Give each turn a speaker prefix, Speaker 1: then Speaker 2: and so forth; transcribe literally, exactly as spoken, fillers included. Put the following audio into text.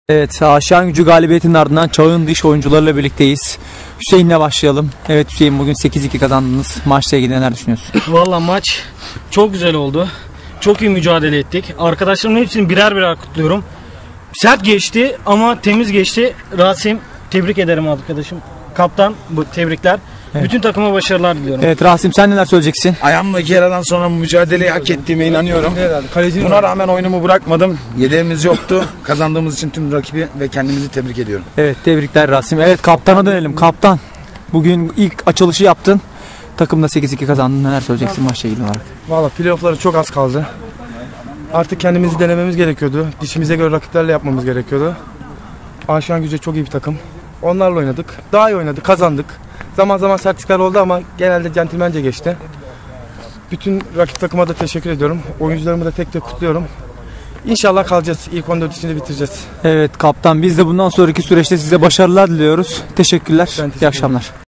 Speaker 1: Evet, Aşağı Gücü galibiyetinin ardından Çağın dış oyuncularıyla birlikteyiz. Hüseyin'le başlayalım. Evet Hüseyin, bugün sekiz iki kazandınız. Maçla ilgili neler düşünüyorsun?
Speaker 2: Valla maç çok güzel oldu. Çok iyi mücadele ettik. Arkadaşlarımın hepsini birer birer kutluyorum. Sert geçti ama temiz geçti. Rasim, tebrik ederim arkadaşım. Kaptan, bu tebrikler. Evet. Bütün takıma başarılar diliyorum.
Speaker 1: Evet Rasim, sen neler söyleyeceksin?
Speaker 3: Ayağımla iki yaradan sonra mücadeleyi hak ettiğime inanıyorum. Buna rağmen oyunumu bırakmadım. Yedeğimiz yoktu. Kazandığımız için tüm rakibi ve kendimizi tebrik ediyorum.
Speaker 1: Evet, tebrikler Rasim. Evet, kaptana dönelim. Kaptan, bugün ilk açılışı yaptın. Takımda sekiz iki kazandın. Neler söyleyeceksin maçla ilgili olarak?
Speaker 4: Valla playoff'ları çok az kaldı. Artık kendimizi denememiz gerekiyordu. Dişimize göre rakiplerle yapmamız gerekiyordu. Aşağı Gücü çok iyi bir takım. Onlarla oynadık. Daha iyi oynadık, kazandık. Zaman zaman sertlikler oldu ama genelde centilmence geçti. Bütün rakip takıma da teşekkür ediyorum. Oyuncularımı da tek tek kutluyorum. İnşallah kalacağız. İlk on dört içinde bitireceğiz.
Speaker 1: Evet kaptan, biz de bundan sonraki süreçte size başarılar diliyoruz. Teşekkürler.
Speaker 4: Ben teşekkür
Speaker 1: İyi akşamlar.